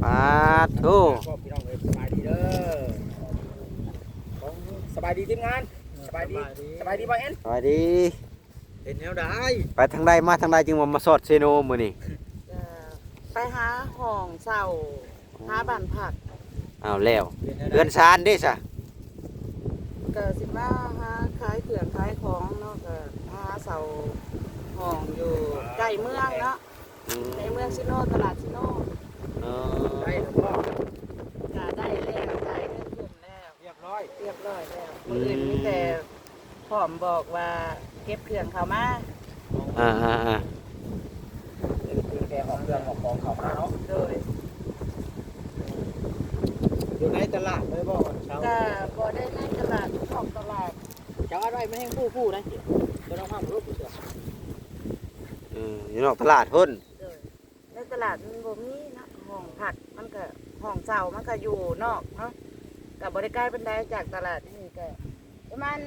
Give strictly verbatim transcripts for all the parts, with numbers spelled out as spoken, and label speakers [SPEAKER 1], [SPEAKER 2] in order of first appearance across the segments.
[SPEAKER 1] าธุ
[SPEAKER 2] ก็พี่น้องเอ้ยสบายดีเด้อของสบายดีทีมงานสบายดีสบายดีบ่เอ็น
[SPEAKER 1] สวัสดี
[SPEAKER 2] เห็นแนวได้
[SPEAKER 1] ไปทางใดมาทางใดจึงมามาสอดเซโนมื้อนี้
[SPEAKER 3] จะไปหาห้องเศร้าหาบ้านผัก
[SPEAKER 1] อ้าวแล้วเรือนซานเด้ซะ
[SPEAKER 3] ก็สิมาหาขายเครื่องขายของเนาะก็หาเสาห้องอยู่ใกล้เมืองเนาะ
[SPEAKER 1] อืม
[SPEAKER 3] ในเมืองซิโนตลาดซิโน
[SPEAKER 1] เอ
[SPEAKER 2] ได้
[SPEAKER 1] อ
[SPEAKER 2] แล้วพ่อ
[SPEAKER 3] ก็ได้แล้วจ่ายเงินขึ้นแล้ว
[SPEAKER 2] เรียบร้อย
[SPEAKER 3] เรียบร้อยแล้วคนอื่นมีแต่พร้อมบอกว่าเก็บเครื่องเขามา
[SPEAKER 1] อ่าอ่าอ่า
[SPEAKER 2] คือแกออกเครื่องออกของเขามาเนาะ
[SPEAKER 3] โดย
[SPEAKER 2] อยู่ในตลาดเลยบ่เช้า
[SPEAKER 3] ก็บ่ได้ในตลาดของตลาด
[SPEAKER 2] เจ้าอะไรไม่ให้ผู้ผู้นะบ่ต้องห้ามรูปเสือ
[SPEAKER 1] เอออยู่นอกตลาดพุ่น
[SPEAKER 3] โดยในตลาดมันบ่มีนะห้องผักมันก็ห้องเศร้ามันก็อยู่นอกเนาะกับบริการเป็นไดจากตลาดนี่ก็ประมาณ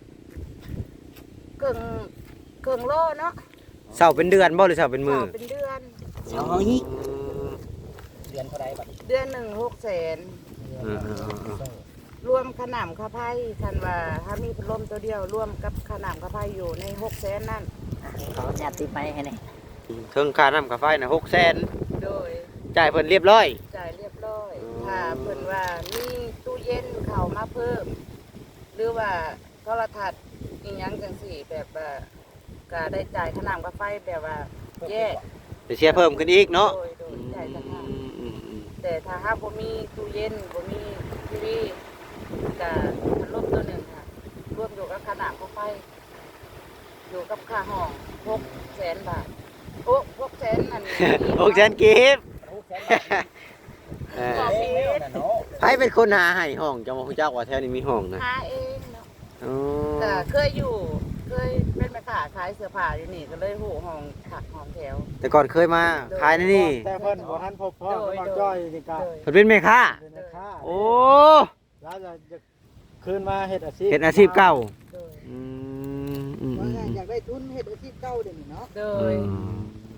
[SPEAKER 3] เกิงเกิงโลเนาะ
[SPEAKER 1] เช้าเป็นเดือนบ่หรือเช้าเป็นมื้อ
[SPEAKER 3] ต่อเป็นเดือน
[SPEAKER 1] เช้าอีก
[SPEAKER 2] เดือนเท่าไรบัด
[SPEAKER 3] เดือนหนึ่งหกแสน
[SPEAKER 1] เออเออเออ
[SPEAKER 3] รวมขนำข้าไพ่คันว่าถ้ามีพัดลมตัวเดียวรวมกับขนำข้าไพ่อยู่ในหกแสนนั่น
[SPEAKER 4] เขาจัดติดไปให้นี่
[SPEAKER 1] เทิงค่าน้ำค่าไฟน่ะหกแสน
[SPEAKER 3] โดย
[SPEAKER 1] จ่ายเพิ่นเรียบร้อย
[SPEAKER 3] จ่ายเรียบร้อย
[SPEAKER 1] อืม
[SPEAKER 3] ถ้าเพิ่นว่ามีตู้เย็นเข้ามาเพิ่ม หรือว่าโทรทัศน์อีหยังจังสี่แบบว่าก็ได้จ่ายขนำข้าไฟแบบว่าแยก
[SPEAKER 1] จะเสียเพิ่มขึ้นอีกเนาะ
[SPEAKER 3] โดยโดยจ่ายต่างหาก
[SPEAKER 1] อืมอืมอืม
[SPEAKER 3] แต่ถ้าหากบ่มีตู้เย็นบ่มีทีวีก็พัดลมตัวหนึ่งค่ะรวมอยู่กับขนาดค่าไฟอยู่กับค่าห้องหกแสนบาทโอ้หกแสนนั่น
[SPEAKER 1] หกแสนกีบ
[SPEAKER 2] หกแสนบาท
[SPEAKER 1] เออ
[SPEAKER 3] บอกผิด
[SPEAKER 2] เนาะ
[SPEAKER 1] ใครเป็นคนหาให้ห้องจะมาฮู้จักว่าแถวนี้มีห้องนะ
[SPEAKER 3] หาเองเนาะ
[SPEAKER 1] อ๋อ
[SPEAKER 3] แต่เคยอยู่เคยเป็นแม่ค้าขายเสื้อผ้าอยู่นี่ก็เลยหูห้องผักห้องแถว
[SPEAKER 1] แต่ก่อนเคยมาขายในนี่
[SPEAKER 2] แต่เพิ่นบ่ทันพบพ่อเพิ่นมาจ้อยนี่ก็
[SPEAKER 3] โดย
[SPEAKER 1] เพิ่นเป็นแม่ค้า
[SPEAKER 2] เป็นราคา
[SPEAKER 1] โอ้
[SPEAKER 2] แล้วจะจะคืนมาเฮ็ดอาชีพ
[SPEAKER 1] เฮ็ดอาชีพเก่า
[SPEAKER 3] โดย
[SPEAKER 1] อืมอืมอืม
[SPEAKER 5] อยากได้ทุนเฮ็ดอาชีพเก่าเดี๋ยวนี้เนาะ
[SPEAKER 3] โด
[SPEAKER 1] อื
[SPEAKER 3] ย
[SPEAKER 1] ม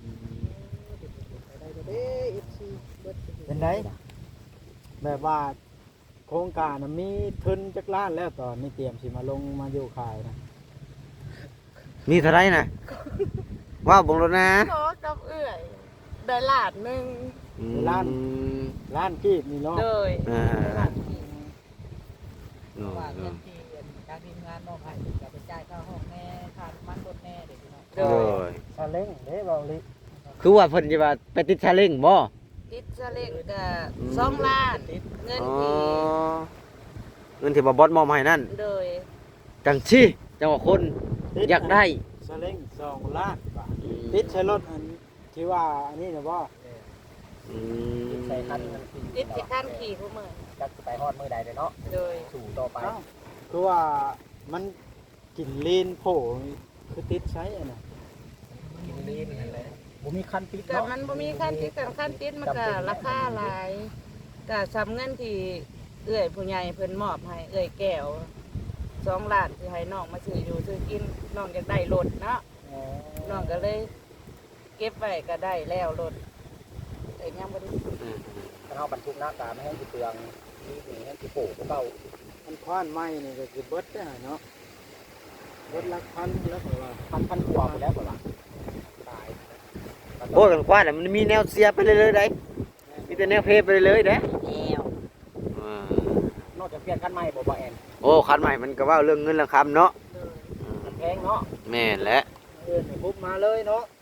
[SPEAKER 5] ได้ก็ได้ เอฟ ซี เบิด
[SPEAKER 2] เป็นไดแบบว่าโครงการน่ะมีทุนจักล้านแล้วตอนนี้เตรียมสิมาลงมาอยู่ขายนะ
[SPEAKER 1] มีเท่าไหรนะว่าวบงรถนะ
[SPEAKER 3] ขอกับเอื้อยได้ล้านหนึง
[SPEAKER 1] อืม
[SPEAKER 2] ล้านกีบนี่เนาะ
[SPEAKER 3] โดย
[SPEAKER 1] อ่า
[SPEAKER 3] ได้ล้านกีบ
[SPEAKER 1] โน่
[SPEAKER 4] ว่า
[SPEAKER 1] โน่
[SPEAKER 4] เงินที่จากทีมงานมอบให้ก็ไปจ่ายค่าห้องแน่ค่าน้ำมันรถแน่เด็กน้อย
[SPEAKER 3] โด
[SPEAKER 1] โด
[SPEAKER 3] ย
[SPEAKER 1] ย
[SPEAKER 2] ซาเล้งเด้เบาลิ
[SPEAKER 1] คือว่าเพิ่นจะว่าไปติดชาเล้งบ่
[SPEAKER 3] ติดซะเล็กก็สองล้านเงิน
[SPEAKER 1] อ๋อ
[SPEAKER 3] ที่
[SPEAKER 1] เงินที่บ่บอสมอบให้นั่น
[SPEAKER 3] โดย
[SPEAKER 1] จังซี่จังว่าคนอยากได้
[SPEAKER 2] ซาเล้งสองล้านบาทติดใช้รถอันที่ว่าอันนี้นะบ่
[SPEAKER 1] อืม
[SPEAKER 2] ใส่คัน
[SPEAKER 3] ติดที่ขั้นขี่ผู้เมือง
[SPEAKER 2] จักไปฮอดมือใดเลยเนาะ
[SPEAKER 3] โดย
[SPEAKER 2] สู่ต่อไปคือว่ามันกินลีนโผคือติดใช้อ่ะนะกินลีนนั่นแหละบ่มีคันติด
[SPEAKER 3] แต่
[SPEAKER 2] เนาะ
[SPEAKER 3] มันบ่มีขั้นติดแต่ขั้นติดมันก็ราคาหลายก็สำเงินที่เอื้อยผู้ใหญ่เพิ่นมอบให้เอื้อยแก้วสองล้านที่ให้น้องมาซื้ออยู่ซื้อกินน้องอยากได้รถเนาะน้องก็เลย เก็บไว้ก็ได้แล้วรถแต่ยังบ่ได้
[SPEAKER 1] อืม
[SPEAKER 2] ถ้าเฮาบรรทุกหน้ากาไม่ให้สิเปลืองนี่นี่ให้สิโผเก่ามันควานไม้นี่ก็คือเบิดได้เนาะเบิดหลักพันแล้วก็ว่าพันพันกว่าไปแล้วก็ว่าตาย
[SPEAKER 1] โอ้ยกันกว่าน่ะมันมีแนวเสียไปเรื่อยๆได้มีแต่แนวเพไปเรื่อยๆเด้
[SPEAKER 4] แล้ว
[SPEAKER 1] อ่า
[SPEAKER 2] นอกจากเปลี่ยนคันใหม่บ่บ่แอน
[SPEAKER 1] โอ้คันใหม่มันก็เว่าเรื่องเงินเรื่องคำเนาะ
[SPEAKER 3] เลย
[SPEAKER 1] อืม
[SPEAKER 2] แพงเนาะ
[SPEAKER 1] แม่นแหละ
[SPEAKER 2] เดินปุ๊บมาเลยเนาะ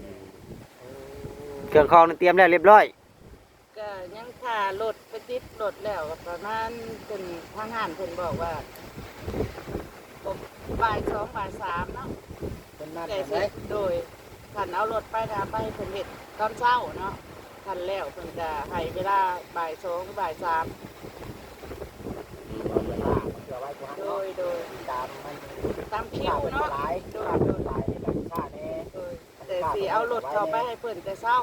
[SPEAKER 1] เครื่องคองนี่เตรียมแล้วเรียบร้อย
[SPEAKER 3] ก็ยังค่ารถไปติดรถแล้วก็ประมาณเป็นทางห้านเพิ่นบอกว่าบ่ายสองบ่ายสามเนาะ
[SPEAKER 2] เป็นนัด
[SPEAKER 3] แต่
[SPEAKER 2] กัน
[SPEAKER 3] สิ
[SPEAKER 2] ได้
[SPEAKER 3] โดยขันเอารถไปนะไปเพิ่นเฮ็ดตอนเช้าเนาะขันแล้วเพิ่นจะให้เวลาบ่ายสองหรือบ่ายสาม
[SPEAKER 2] เวลาเพื่อไว้กูฮัน
[SPEAKER 3] โด
[SPEAKER 2] เนาะ
[SPEAKER 3] ยโดย
[SPEAKER 2] ตามมัน
[SPEAKER 3] ตามคิวเนาะ
[SPEAKER 2] หลาย
[SPEAKER 3] โด
[SPEAKER 2] โด
[SPEAKER 3] ย
[SPEAKER 2] ย
[SPEAKER 3] โดย
[SPEAKER 2] หลายในการค่าแน่
[SPEAKER 3] โดยแต่สิเอารถเข้าไปให้เพิ่นแต่เช้า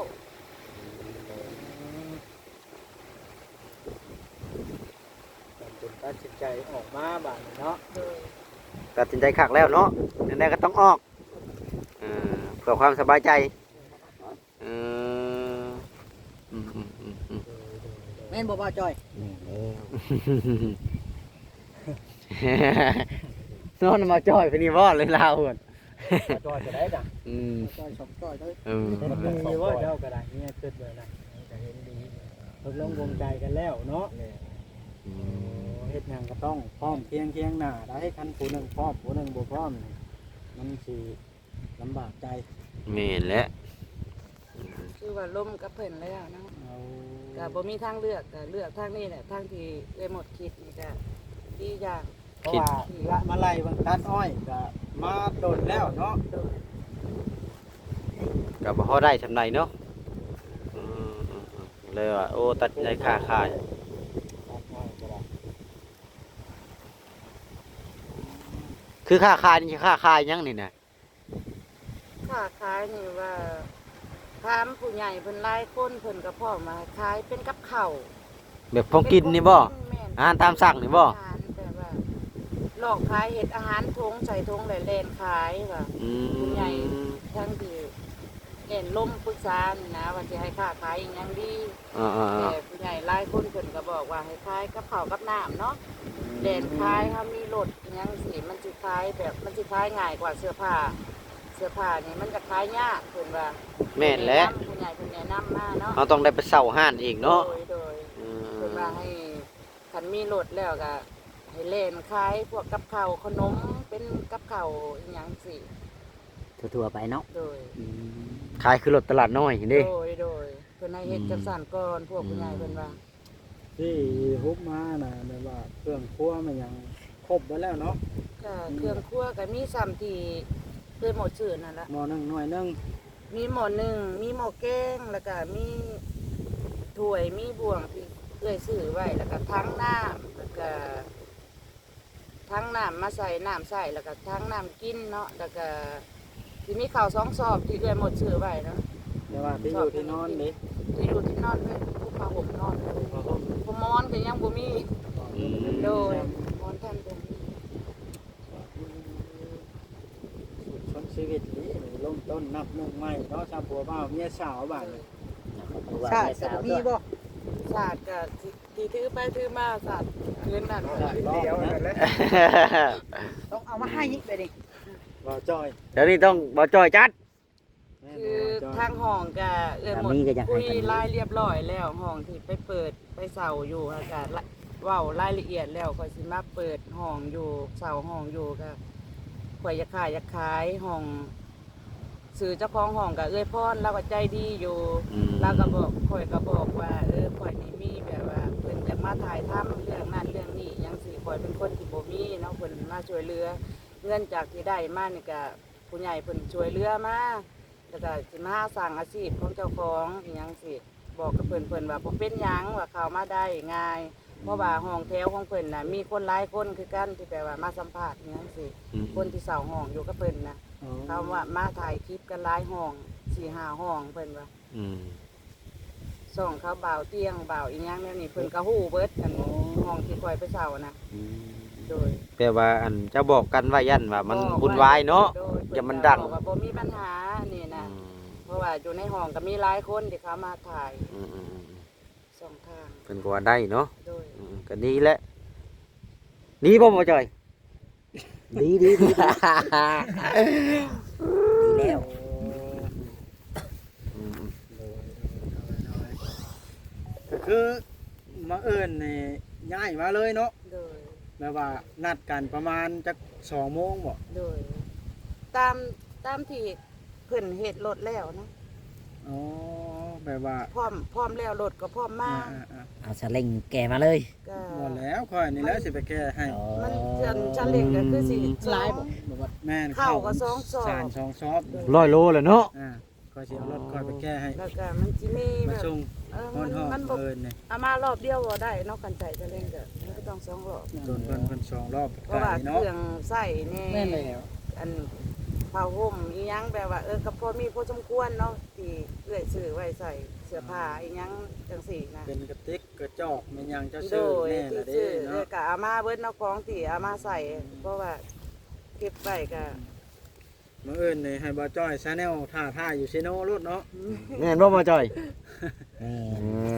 [SPEAKER 2] เป็นตัดสินใจออกมาบ้านเนาะ
[SPEAKER 3] โดย
[SPEAKER 1] ตัดสินใจขักแล้วเนาะนั่นแหละก็ต้องออกเออเพื่อความสบายใจเอออืมอืมอืมอืม
[SPEAKER 5] แม่นบ่บ่จอย
[SPEAKER 1] นอนมาจ่อยไปนี่บ่เลยลาวพุ่น
[SPEAKER 2] จอยจะได้จ้ะ
[SPEAKER 1] อืม
[SPEAKER 5] จอยสองจอยเลย
[SPEAKER 1] เออ
[SPEAKER 2] มันมีว่าเจ้าก็ได้เนี่ยคิดเลยนะจะเห็นดีตกลงวงใจกันแล้วเนาะ
[SPEAKER 1] อืม
[SPEAKER 2] เฮ็ดหยังก็ต้องพร้อมเคียงเคียงหน้าได้คันผู้หนึงพร้อมผู้หนึงบ่พร้อมนี่มันสิลำบากใจ
[SPEAKER 1] แม่นแหละ
[SPEAKER 3] คือว่าล่มกับเพิ่นแล้วเนาะ
[SPEAKER 2] เอา
[SPEAKER 3] ก็บ่มีทางเลือกก็เลือกทางนี้แหละทางที่ได้หมดคิดนี่ก็ดีอย่าง
[SPEAKER 2] เพราะว่าละมาไล่เบางตัดอ้อยก็มาโดนแล้วเนาะ
[SPEAKER 3] โดย
[SPEAKER 1] ก็บ่พอได้ทำไดเนาะอืมๆๆเลยว่าโอ้ตัดใจค่าขาย
[SPEAKER 2] ตัดอ้อยก็ได้
[SPEAKER 1] คือค่าขายนี่ค่าขายหยังนี่น่ะ
[SPEAKER 3] ค้าขายนี่ว่าถามผู้ใหญ่เพิ่นหลายคนเพิ่นก็พร้อมมาขายเป็นกับข้าว
[SPEAKER 1] แบบของกินนี่บ่
[SPEAKER 3] แม่น
[SPEAKER 1] อาหารตามสั่งนี่บ่
[SPEAKER 3] อาหารแต่ว่าหลอกขายเห็ดอาหารทงใส่ทงแหล่เลนขายว่า
[SPEAKER 1] อื
[SPEAKER 3] ผู้ใหญ่
[SPEAKER 1] ม
[SPEAKER 3] ทั้งที่เล่นล่มปรึกษานี่นะว่าสิให้ค้าขายอีหยังดี
[SPEAKER 1] อ่า
[SPEAKER 3] แต่
[SPEAKER 1] ๆ
[SPEAKER 3] ผู้ใหญ่หลายคนเพิ่นก็บอกว่าให้ขายกับข้าวกับน้ำเนาะแล่นขายเฮามีรถอีหยังสิมันสิขายแบบมันสิขายง่ายกว่าเสื้อผ้า เสื้อผ้านี่มันจะขายยากเพิ่นว่า
[SPEAKER 1] ๆแม่นแหละ
[SPEAKER 3] ผู้ใหญ่เพิ่นแนะนำมาเนาะ
[SPEAKER 1] เฮาต้องได้ไปเช่าห้านอีกเนาะ
[SPEAKER 3] โดยโดย
[SPEAKER 1] อื
[SPEAKER 3] เพิ่น
[SPEAKER 1] ม
[SPEAKER 3] ว่าให้คันมีรถแล้วก็ให้เล่นขายพวกกับข้าวขนมเป็นกับข้าวอีหยังสิ
[SPEAKER 4] ทั่วๆไปเนาะ
[SPEAKER 3] โดย
[SPEAKER 1] ขายคือรถตลาดน้อยนี่
[SPEAKER 3] โดยโดยเพิ่นให้เฮ็ดจังซั่นก่อนพวกผู้ใหญ่เพิ่นว่า
[SPEAKER 2] ที่ฮุบมาน่ะแบบว่าเครื่องครัวมันยังครบไว้แล้วเนาะ
[SPEAKER 3] ก็เครื่องครัวก็มีซ้ำที่เคยหมดชื่อนั่นละ
[SPEAKER 2] หม้อหนึงหน่วยหนึง
[SPEAKER 3] มีหม้อหนึ่งมีหม้อแกงแล้วก็มีถ้วยมีบ่วงที่เอ้อยซื้อไว้แล้วก็ทั้งน้ำแล้วก็ทั้งน้ำมาใส่น้ำใส่แล้วก็ทั้งน้ำกินเนาะแล้วก็ที่มีข้าวสองซอบที่เอ้อยหมดชื่อไว้เนาะ
[SPEAKER 2] แต่ว่าที่อยู่ที่นอนนี่
[SPEAKER 3] ที่อยู่ที่นอนเลยผู้พาห่มนอนเลยพมอนก็ยังบ่มีโดยมอนท่านบ่มี
[SPEAKER 2] ชนชีวิตนี้ลงต้นนับหนึ่งใหม่เนาะชาวผัวบ่าวเมียสาวบ้านนี่
[SPEAKER 5] ชาติก็บ่มีบ่
[SPEAKER 3] ศาสตร์ก็ที่ที่ถือไปถือมาศาสตร์คืนนั้น
[SPEAKER 2] เดียวนั่นแหละ
[SPEAKER 5] ต้องเอามาให้อีกไปดิ
[SPEAKER 2] บ่จอย
[SPEAKER 1] เดี๋ยวนี้ต้องบ่จ่อยจัด
[SPEAKER 2] แม่
[SPEAKER 3] คือ
[SPEAKER 2] บ่จอย
[SPEAKER 3] ทางห้องก็เออหมดคุยรายเรียบร้อยแล้วห้องที่ไปเปิดไปเสาอยู่อากาศเว้ารายละเอียดแล้วก็สิมาเปิดห้องอยู่เสาห้องอยู่ก็ข่อยอยากขายอยากขายห้องสื่อเจ้าของห้องก็เอ้ยพรเราก็ใจดีอยู่
[SPEAKER 1] อืม
[SPEAKER 3] เราก็บอกข่อยก็บอกว่าเออข่อยนี่มีแบบว่าเพิ่นจะมาถ่ายทำเรื่องนั้นเรื่องนี้หยังสิข่อยเป็นคนที่บ่มีเนาะเพิ่นมาช่วยเหลือเงินจากที่ได้มานี่ก็ผู้ใหญ่เพิ่นช่วยเหลือมาแล้วก็สิมาสร้างอาชีพของเจ้าของอีหยังสิบอกกับเพิ่นเพิ่นว่าบ่เป็นหยังว่าเข้ามาได้ง่าย เพราะว่าห้องแถวของเพิ่นน่ะมีคนหลายคนคือกันที่แปลว่ามาสัมภาษณ์อีหยังสิ
[SPEAKER 1] อืม
[SPEAKER 3] คนที่เสาห้องอยู่กับเพิ่นน่ะ
[SPEAKER 2] อ๋อ
[SPEAKER 3] เขาว่ามาถ่ายคลิปกันหลายห้องสี่ห้าห้องเพิ่นว่า
[SPEAKER 1] อืม
[SPEAKER 3] ส่องเขาบ่าวเตียงบ่าวอีหยังแนวนี้เพิ่นก็ฮู้เบิดกันห้องที่คอยไปเช่านะโดย
[SPEAKER 1] แปลว่าอันเจะบอกกันว่ายันว่ามันวุ่นวายเนาะ
[SPEAKER 3] โดย
[SPEAKER 1] อย่ามันดัง
[SPEAKER 3] เพิ่ก็บอกว่าบ่มีปัญหานี่นะ
[SPEAKER 1] อืม
[SPEAKER 3] เพราะว่าอยู่ในห้องก็มีหลายคนที่เขามาถ่าย
[SPEAKER 1] อืมอืมอืม
[SPEAKER 3] สองทาง
[SPEAKER 1] เพิ่นก็ว่าได้เนาะ
[SPEAKER 3] โดย
[SPEAKER 1] อืมก็ดีแหละดีบ่บ่จ่อย
[SPEAKER 4] ดีดีดีดีแล้ว
[SPEAKER 1] อืม
[SPEAKER 2] ก็คือมาเอิ้นนี่ย้ายมาเลยเนาะ
[SPEAKER 3] โดย
[SPEAKER 2] แม่ว่านัดกันประมาณจักสองโมงบ่
[SPEAKER 3] โดย ตามตามที่เพิ่นเฮ็ดรถแล้วนะ
[SPEAKER 2] อ๋อแบบว่า
[SPEAKER 3] พร้อมพร้อมแล้วรถก็พร้อมมา
[SPEAKER 2] อ่า
[SPEAKER 4] เอาสลิงแกมาเลย
[SPEAKER 3] ก็
[SPEAKER 2] ๆบ่แล้วค่อยนี่แหล้วสิไปแก้ให้
[SPEAKER 3] มันจันจันเล็กก็คือสิ
[SPEAKER 5] หลายบ่
[SPEAKER 2] บ่ว่าแม่น
[SPEAKER 3] เข้าก็สองสอบ
[SPEAKER 2] สารสองซอบ
[SPEAKER 1] ร้อยโลเลยเนาะ
[SPEAKER 2] อ่าค่อยสิเอารถค่อยไปแก้ให้
[SPEAKER 3] แล้วก็มันสิมีแบ
[SPEAKER 2] มา
[SPEAKER 3] บ
[SPEAKER 2] ส่ง
[SPEAKER 3] เออ
[SPEAKER 2] ฮอ
[SPEAKER 3] มัน น
[SPEAKER 2] ฮอ
[SPEAKER 3] มันบ่
[SPEAKER 2] เอิ้นนี่
[SPEAKER 3] เอามารอบเดียวบ่ได้เนอกกันใจจะเล่นก็มันก็ต้องสองรอบ
[SPEAKER 2] โดนเพิ่นเพิ่นสองรอบ
[SPEAKER 3] เพราะว่า
[SPEAKER 2] ไก่
[SPEAKER 3] เค
[SPEAKER 2] เนาะ
[SPEAKER 3] รื่องใส่แน่
[SPEAKER 5] แม่นแล้ว
[SPEAKER 3] อันผ้าห่มอีหยังแบบว่าเออก็พอมีพอสมควรเนาะที่เอื้อยซื้อไว้ใส่เสื้อผ้าอีหยังจังซี่นะ
[SPEAKER 2] เป็นกระติกกระจอกแม่นยังเจ้า
[SPEAKER 3] โด
[SPEAKER 2] ซื้อย แน่
[SPEAKER 3] ที่
[SPEAKER 2] ละเด้
[SPEAKER 3] ซื้อเอ
[SPEAKER 2] เนาะ
[SPEAKER 3] อก็เอามาเบิดเนาะของที่เอามาใส่เพราะว่าเก็บไว้ก็
[SPEAKER 2] มื้ออื่นนี่ให้บ่จ้อยชาแนลท่าท่าอยู่ซิโนรถเนาะ
[SPEAKER 1] แม่นบ่บ่จ่อย
[SPEAKER 4] แม่
[SPEAKER 1] เออ
[SPEAKER 2] เพราะว่า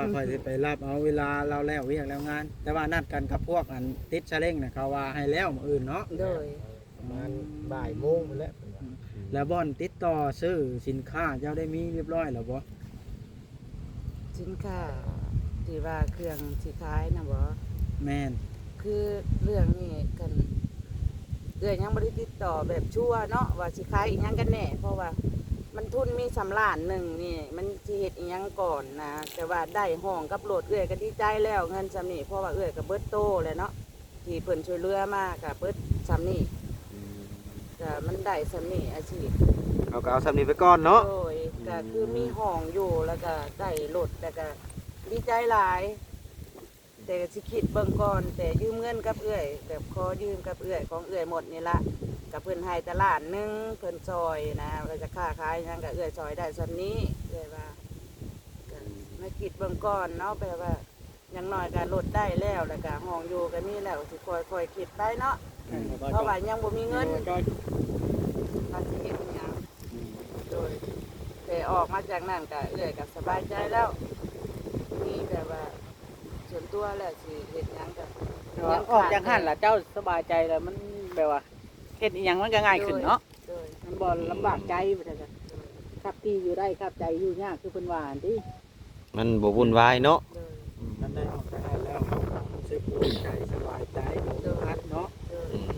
[SPEAKER 2] ว่าค่อยสิไปรับเอาเวลาเราแล้วเวียกแล้วงาน แต่ว่านัดกันกับพวกอันติดชะเล้งน่ะเขาว่าให้แล้วมื้ออื่นเนาะ
[SPEAKER 3] โดย
[SPEAKER 2] ประมาณ
[SPEAKER 6] บ่ายโมงไปแล้ว
[SPEAKER 2] แล้วบ่อนติดต่อซื้อสินค้าเจ้าได้มีเรียบร้อยแล้วบ่
[SPEAKER 3] สินค้าที่ว่าเครื่องสิขายนะบ่
[SPEAKER 2] แม่น
[SPEAKER 3] คือเรื่องนี้กันเอื้อยยังบ่ได้ติดต่อแบบชัวร์เนาะว่าสิขายอีหยังกันแน่เพราะว่ามันทุนมีสำล้านหนึงนี่มันสิเฮ็ดอีหยังก่อนนะแต่ว่าได้ห้องกับโหลดเอื้อยก็ดีใจแล้วเงินซำนี้เพราะว่าเอื้อยก็เบิดโตแล้วเนาะที่เพิ่นช่วยเหลือมาก็เบิดซำนี้ก็มันได้ซำนี้อาชีพ
[SPEAKER 1] เอาก็เอาสำนี้ไปก่อนเนาะ
[SPEAKER 3] โดยก็คือมีห้องอยู่แล้วก็ได้รถแล้วก็ดีใจหลาย แต่ก็สิคิดเบิ่งก่อน แต่ยืมเงินกับเอื้อยแบบขอยืมกับเอื้อยของเอื้อยหมดนี่ละกับเพิ่นให้ตลาดหนึงเพิ่นซอยนะเราจะค้าขายหยังกับเอื้อยซอยได้ส่วนนี้เอื้อยว่าก็มาคิดเบิ่งก่อนเนาะแปลว่าอย่างน้อยก็ลดได้แล้วแล้วก็ห้องอยู่ก็มีแล้วสิค่อยๆคิดไปเนาะเพราะว่ายังบ่มีเงิน
[SPEAKER 2] จอย
[SPEAKER 3] ภาษีเองอย่างโดยแต่ออกมาจากนั่นก็เอื้อยก็สบายใจแล้ว มีแบบว่าส่วนตัวแล้วสิเฮ็ดหยังก็
[SPEAKER 5] แต่ว่าออกจากหันล่ะเจ้าสบายใจแล้วมันแบบว่าเฮ็ดอีหยังมันก็ง่ายขึ้นเนาะ
[SPEAKER 3] โดย
[SPEAKER 5] มันบ่ลำบากใจบ่ได้จ้ะครับที่อยู่ได้ครับใจอยู่ยากคือเพิ่นว่าหั่นติ
[SPEAKER 1] มันบ่วุ่นวายเนาะ
[SPEAKER 3] โดย
[SPEAKER 2] มันได้ออกจากหันแล้วรู้สึกภูมิใจสบายใจบ่พัดเนาะ
[SPEAKER 3] โดย
[SPEAKER 1] อืม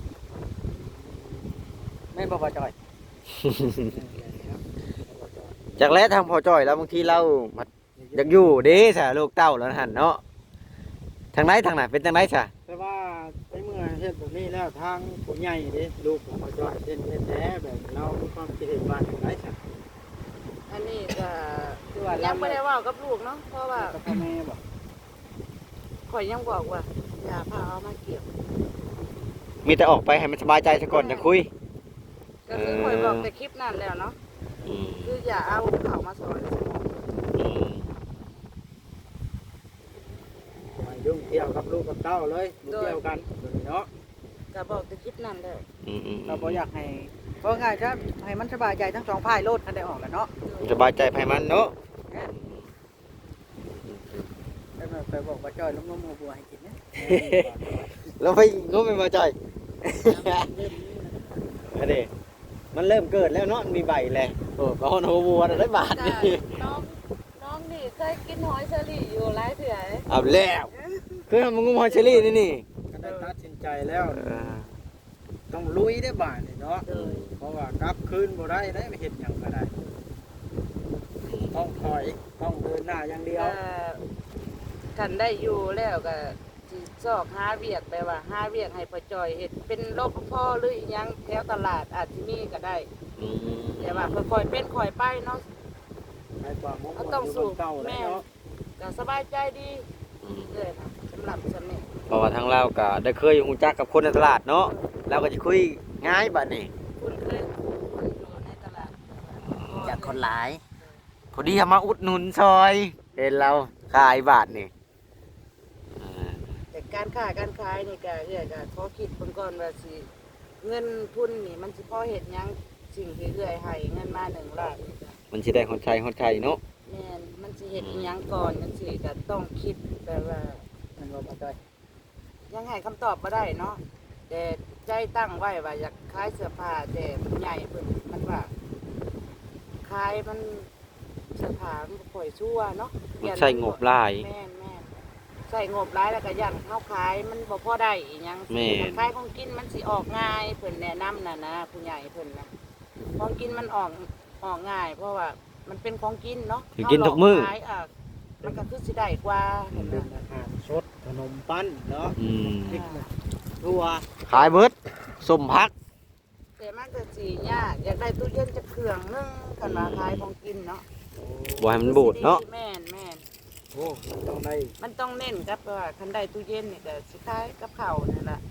[SPEAKER 5] แม่นบ่บ่จอย
[SPEAKER 1] จากแล้วทางพอจ้อยแล้วบางทีเราอยากอยู่เด้ซะลูกเต้าแล้วหั่นเนาะทางไหนทางไหนเป็นทางไหนซะ
[SPEAKER 2] แต่ว่าในเมื่อเฮ็ดแบบนี้แล้วทางผู้ใหญ่เด้ลูกของพ่อจ้อยเฮ็ดเฮ็ดแท้แบบเรามีความคิดเห็นว่าจังได๋ซะ
[SPEAKER 3] อันนี้ก็
[SPEAKER 5] คือว่า
[SPEAKER 3] ยั
[SPEAKER 5] เรา
[SPEAKER 3] งไม่ได้เว่ากับลูกเนาะเพราะว่า
[SPEAKER 2] กับพ่อแม่บ่
[SPEAKER 3] ข่อยยังบอกว่าอย่าพาเอามาเกี่ยว
[SPEAKER 1] มีแต่ออกไปให้มันสบายใจซะก่อนจะคุย
[SPEAKER 3] ก็คือข่อยบอกแต่คลิปนั้นแล้วเนาะ
[SPEAKER 1] อืม
[SPEAKER 3] คืออย่าเอาเขามาสอน
[SPEAKER 1] อืม
[SPEAKER 2] ไม่ยุ่งเกี่ยวกับลูกกับเต้าเลยบ่เกี่ยวกันแบบนี้เนาะ
[SPEAKER 3] ก็บอกแต่คลิปนั้นแล้ว
[SPEAKER 1] อืมอืม
[SPEAKER 5] เราบ่อยากให้เพราะง่ายจะให้มันสบายใจทั้งสองฝ่ายโลดกันได้ออกแหล้วเนาะ
[SPEAKER 1] สบายใจภายมันเนาะ
[SPEAKER 5] แต่ว่าไปบอกว่าจอยล้มๆบัวๆให้กินนะ
[SPEAKER 1] แล้วไปงมไปมาจ่อย อันนี้มันเริ่มเกิดแล้วเนาะมันมีใบแล้วโอ้ก็ฮอนโฮวัวได้บาท
[SPEAKER 3] จ้ะ
[SPEAKER 1] นี่
[SPEAKER 3] น้องน้องนี่เคยกินหอยเชอรี่อยู่หลายเถื่อ
[SPEAKER 1] เอาแล้วคือทำมึงงมหอยเชอรี่นี่นี่
[SPEAKER 2] ก็ได้ตัดสินใจแล้ว
[SPEAKER 1] เออ
[SPEAKER 2] ต้องลุยได้บ้านนี่เนาะ
[SPEAKER 3] เลย
[SPEAKER 2] เพราะว่ากลับคืนบ่ได้ได้ไปเฮ็ดหยังก็ได้ต้องถอยต้องเดินหน้าอย่างเดียว
[SPEAKER 3] ก็กันได้อยู่แล้วก็สิซอกหาเวียกไปว่าหาเวียกให้พ่อจอยเฮ็ดเป็นรปภหรืออีหยังแถวตลาดอาจสิมีก็ได้
[SPEAKER 1] อืม
[SPEAKER 3] แต่ว่าค่อยๆเป็นค่อยไปเนาะ
[SPEAKER 2] ให้ความมุ่ง
[SPEAKER 3] เอา
[SPEAKER 2] มั่น
[SPEAKER 3] ต้อง
[SPEAKER 2] อยู่
[SPEAKER 3] สู้
[SPEAKER 2] บนเก่าแล้ว
[SPEAKER 3] แม่
[SPEAKER 2] เนาะ
[SPEAKER 3] ก็สบายใจดี
[SPEAKER 1] อืม
[SPEAKER 3] เลยนะสำหรับสำเนียง
[SPEAKER 1] เพราะว่าทางเราก็ได้เคยรู้จักกับคนในตลาดเนาะเราก็จะคุยง่ายบัดนี้
[SPEAKER 3] คุณเคยคุณอยู่ในตลาด
[SPEAKER 1] จากคนหลายพอดีเอามาอุดหนุนซอยเห็นเราขายบาทนี่อ่า
[SPEAKER 3] แต่การค้าการขายนี่ก็เอื้อยก็ขอคิดเบิ่งก่อนว่าสิเงินทุนนี่มันสิพอเฮ็ดหยังสิ่งที่เอื้อยให้เงินมาหนึ่งล้านนี่ก็
[SPEAKER 1] มันสิได้คนใช้คนใช้เนาะ
[SPEAKER 3] แม่นมันสิเฮ็ดอีหยังก่อนจังซี่ก็ต้องคิดแบบว่า
[SPEAKER 5] มันบ่บ่จอย
[SPEAKER 3] ยังให้คำตอบบ่ได้เนาะแต่ใจตั้งไว้ว่าอยากขายเสื้อผ้าแต่ผู้ใหญ่เพิ่นมันว่าขายมันเสื้อผ้ามันบ่ค่อยชั่วเนาะ
[SPEAKER 1] มันใช้งบหลาย
[SPEAKER 3] แม่นแม่นใส่งบหลายแล้วก็ยันเฮาขายมันบ่พอได้อีหยัง
[SPEAKER 1] แม่น
[SPEAKER 3] ขายของกินมันสิออกง่ายเพิ่นแนะนำน่ะนะผู้ใหญ่เพิ่นนะของกินมันออกออกง่าย เพราะว่ามันเป็นของกินเนาะ
[SPEAKER 1] ถือกินทุกมื้อ
[SPEAKER 3] เฮาหลขายอ่ะมันก็คือสิได้กว่า
[SPEAKER 2] มันเป็นอาหารสดขนมปั้นเนาะ
[SPEAKER 1] อืม
[SPEAKER 2] พริกทั่ว
[SPEAKER 1] ขายเบิดสมพัก
[SPEAKER 3] แต่มันก็สิยากอยากได้ตู้เย็นจะเครื่องนึงกันว่าขายของกินเนาะ
[SPEAKER 1] บ่ให้มันบูดเนาะ
[SPEAKER 3] แม่นแม่น
[SPEAKER 2] โอ้มันต้องได้
[SPEAKER 3] มันต้องเน้นกับว่าคันได้ตู้เย็นนี่ก็สิขายกับข้าวนั่นล่ะ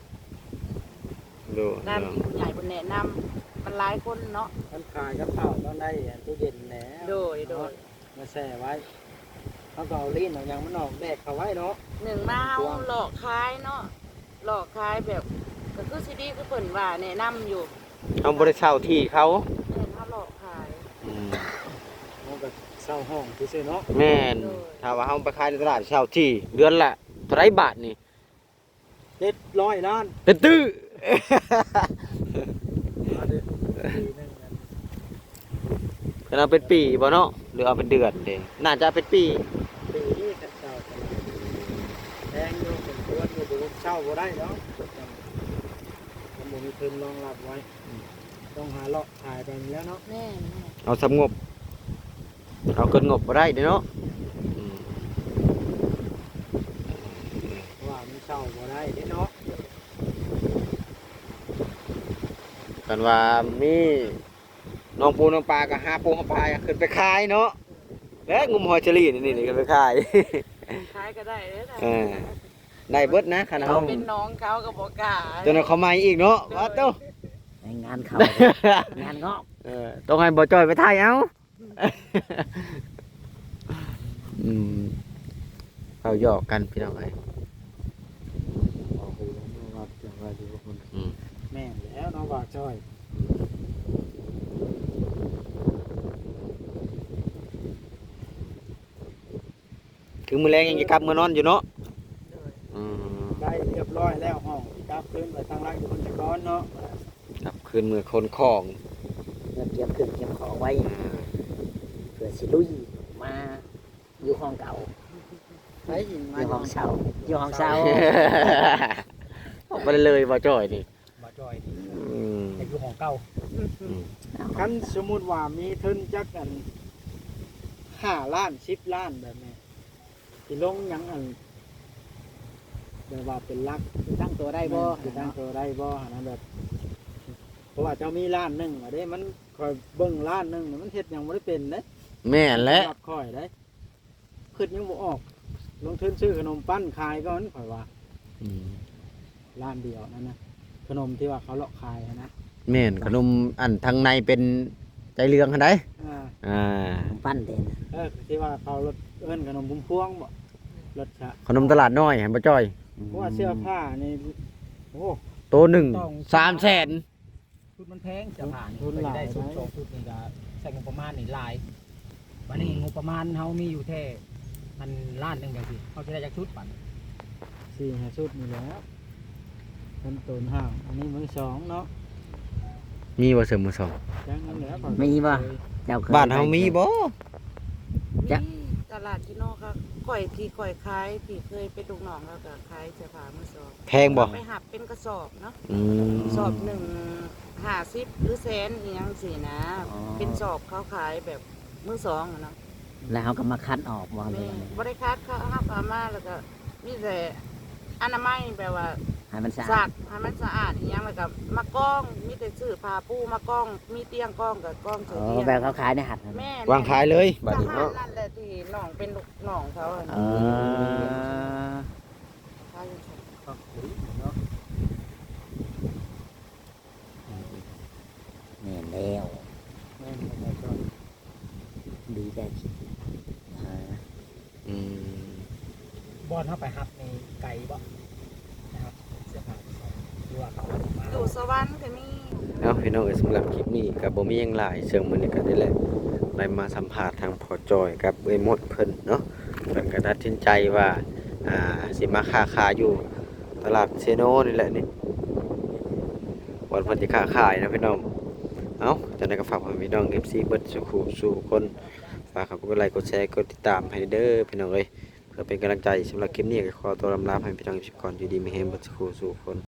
[SPEAKER 1] ดู
[SPEAKER 3] ด้านที่ผู้ใหญ่เพิ่นแนะนำมันหลายคนเนาะ
[SPEAKER 2] มันขายกับข้าวต้องได้อันตู้เย็นแหน
[SPEAKER 3] โดยโดย
[SPEAKER 2] มาแช่ไว้เขาก็เอาลิ้นเอาหยังมันออกแดกเขาไว้เนาะ
[SPEAKER 3] หนึ่งมาเฮาหลอกขายเนาะหลอกขายแบบก็คือสิดีคือเพิ่นว่าแนะนำอยู่
[SPEAKER 1] เอาบ่ได้เช่าที่เขา
[SPEAKER 3] เพิ่นเฮาหลอกขาย
[SPEAKER 1] อืม
[SPEAKER 2] มันก็สเช่าห้องซื่อๆเนาะ
[SPEAKER 1] แม่นถ้าว่าเฮาไปขายในตลาดเช่าที่เดือนละเท่าไหร่บาทนี่
[SPEAKER 2] เจ็ดร้อยล้าน
[SPEAKER 1] เป็นตื้อ
[SPEAKER 2] มาเด้อปีหนึงนั่น
[SPEAKER 1] ก็เอาเป็นปีบ่เนาะหรือเอาเป็นเดือนเด้น่าจะเป็นปี
[SPEAKER 2] ปีนี้แต่เช่าตลาดแพงอยู่สมควรอยู่บ่เช่าบ่ได้เนาะมันบ่มีทุนรองรับไว้ต้องหาเลาะขายไปแล้วเนาะ
[SPEAKER 3] แม่น
[SPEAKER 1] เอาสำงบเอาเกินงบบ่ได้เด้เนาะอืม
[SPEAKER 2] เพราะว่ามันเช่าบ่ได้เด้เนาะ
[SPEAKER 1] กันว่ามีน้องปูน้องปลาก็หาปูหาปลาขึ้นไปขายเนาะแล้วงุมหอยเชอรี่นี่นี่ขึ้นไปขาย
[SPEAKER 3] ขายก็ได้เด้อ
[SPEAKER 1] เออได้เบิดนะคัน
[SPEAKER 3] เขา
[SPEAKER 1] เฮา
[SPEAKER 3] เป็นน้องเขาก็บ่กล้า
[SPEAKER 1] จนเขามาอีกเนาะว่าโต
[SPEAKER 4] งานเขางานงอก
[SPEAKER 1] เออต้องให้บ่จ้อยไปถ่ายเอาอืมเอาหยอกกันพี่น้องเอ้ย
[SPEAKER 2] โอ้โหว่าจังว่าอยู่คน
[SPEAKER 1] อืม
[SPEAKER 2] แม่นแล้วเนาะว่าจ้อย
[SPEAKER 1] ถึงมื้อแลงยังจะกลับมื้อนอนอยู่เนาะอืม
[SPEAKER 2] ได้เรียบร้อยแล้วห้องกลับคืนไปทางรักอยู่คนตะกอนเนาะ
[SPEAKER 1] กลับคืนมือคนของ
[SPEAKER 4] เงินเตรียมเครื่องเตรียมของไว้
[SPEAKER 1] อ่า
[SPEAKER 4] เพื่อสิลุยมาอยู่ห้องเก่า
[SPEAKER 2] ไปยิง
[SPEAKER 4] อ
[SPEAKER 2] มา
[SPEAKER 4] ยู่ห้องเช่าอยู่ห้องเช่า
[SPEAKER 1] ออกไปเลยบ่จ้อยนี่
[SPEAKER 2] บ่จ้อย
[SPEAKER 1] อืม
[SPEAKER 2] ไอ้อยู่ห้องเก่า
[SPEAKER 1] อืม
[SPEAKER 2] คันสมมุติว่ามีทุนจักอันห้าล้านสิบล้านแบบนี้สิลงหยังอันแบบว่าเป็นลัก
[SPEAKER 4] ตั้งตัวได้
[SPEAKER 2] ได้
[SPEAKER 4] บ่
[SPEAKER 2] บ่สิตั้งตัวได้บ่หั่นนะแบบ เพราะว่าเจ้ามีล้านหนึงอะเด้มันคอยเบิ่งล้านหนึงน่ะมันเฮ็ดหยังบ่ได้เป็นเด้
[SPEAKER 1] แม่นและ
[SPEAKER 2] รับค่อยได้คิดยังบ่ออก ลงทุนซื้อขนมปั้นขายก่อนข่อยว่า
[SPEAKER 1] อืม
[SPEAKER 2] ร้านเดียวนั่นนะขนมที่ว่าเขาเลาะขายนะ
[SPEAKER 1] แม่นขนมอันทางในเป็นใจเรืองหั่นได้
[SPEAKER 2] อ่า
[SPEAKER 1] อ่า
[SPEAKER 4] ปั้นเด่น
[SPEAKER 2] เออที่ว่าเขารถเอิ้นขนมพุ่มพวงบ่รถชะ
[SPEAKER 1] ขนมตลาดน้อยหั่นบ่จ้อย
[SPEAKER 2] เพราะว่าเสื้อผ้านี่โอ้
[SPEAKER 1] โตหนึ่งสามแสน
[SPEAKER 5] ชุดมันแพงจะผ่าน
[SPEAKER 2] ทุนหลาย
[SPEAKER 5] ได้ชุด
[SPEAKER 2] ไหม
[SPEAKER 5] สองชุดนี่ก็ใส่งบประมาณนี่หลายวันนี้งบประมาณเฮามีอยู่แค่มันล้านหนึงจังซี่เฮาสิได้จักชุดปัน
[SPEAKER 2] สี่ห้าชุดนี่แหล้วต้นต้นห้างอันนี้มือสองเนาะ
[SPEAKER 1] มีบ่เสริมมือสอง
[SPEAKER 2] จังนั้นแหล้ว
[SPEAKER 4] มีบ่เจ้าเคย
[SPEAKER 1] บ้านเฮามีบ่
[SPEAKER 4] จ๊ะ
[SPEAKER 3] มีตลาดที่นอกก็ข่อยที่ข่อยขายที่เคยไปลูกน้องแล้วก็ขายเสื้อผ้ามือสอง
[SPEAKER 1] แพงบ่
[SPEAKER 3] ไปหับเป็นกระสอบเนาะ
[SPEAKER 1] อืม
[SPEAKER 3] สอบหนึ่งห้าสิบหรือแสนอีหยังสินะ
[SPEAKER 4] อ๋อ
[SPEAKER 3] เป็นสอบเขาขายแบบมือสองอะเนาะ
[SPEAKER 4] แล้วเขาก็มาคัดออกว่าเล
[SPEAKER 3] แม่
[SPEAKER 4] ย
[SPEAKER 3] บริคัดเขาหับเอามาแล้วก็มีแต่อนามัยแปลว่า
[SPEAKER 4] ให้มันสะ
[SPEAKER 3] สั
[SPEAKER 4] อาด
[SPEAKER 3] กให้มันสะอาดอีหยังแล้วก็มากล้องมีแต่ซื้อผ้าปูมากล้อง มีเตียงกล้องกับกล้องเฉ
[SPEAKER 4] อ๋
[SPEAKER 3] ย
[SPEAKER 4] อ
[SPEAKER 3] เตียง
[SPEAKER 4] แบบเขาขายในหัด
[SPEAKER 3] แม่
[SPEAKER 1] วางขายเลยบัด
[SPEAKER 3] ท
[SPEAKER 1] นี้
[SPEAKER 3] หาร
[SPEAKER 1] เนาะ
[SPEAKER 3] นั่นแหละที่น้องเป็นลูกน้องเขาอะ
[SPEAKER 4] เอ
[SPEAKER 3] นะ
[SPEAKER 4] อ
[SPEAKER 3] ขายอยู่ซั่น
[SPEAKER 2] ก็คุยเนาะ
[SPEAKER 4] แม่นแล้ว
[SPEAKER 2] แม่นบ่จ้อย
[SPEAKER 4] ดีแต่อ่า
[SPEAKER 1] อืม
[SPEAKER 5] บอนเฮาไปฮับในไก่บ่นะครับเสื้อผ้ามือสองหรือว่าเขาเอามา
[SPEAKER 3] อยู่สวรรค์ก็มี
[SPEAKER 1] เอาพี่น้องเอ้ยสำหรับคลิปนี้ก็บ่มีหยังหลายเชิงมื้อนี้ก็ได้แหละได้มาสัมภาษณ์ทางพ่อจอยกับเอ้ยมดเพิ่นเนาะเพิ่นก็ตัดสินใจว่าอ่าสิมาค้าขายอยู่ตลาดเซโนนี่แหละนี่วันเพิ่นสิค้าขายนะพี่น้องเอ้าจังได๋ก็ฝากพี่น้อง เอฟ ซี เบิดสุขุสู่คนฝากกดไลค์กดแชร์กดติดตามให้เด้อพี่น้องเอ้ยเพื่อเป็นกำลังใจสำหรับคลิปนี้ก็ขอตัวลำลาให้พี่น้องทุกคนอยู่ดีมีแรงเบิดสุขุสู่คน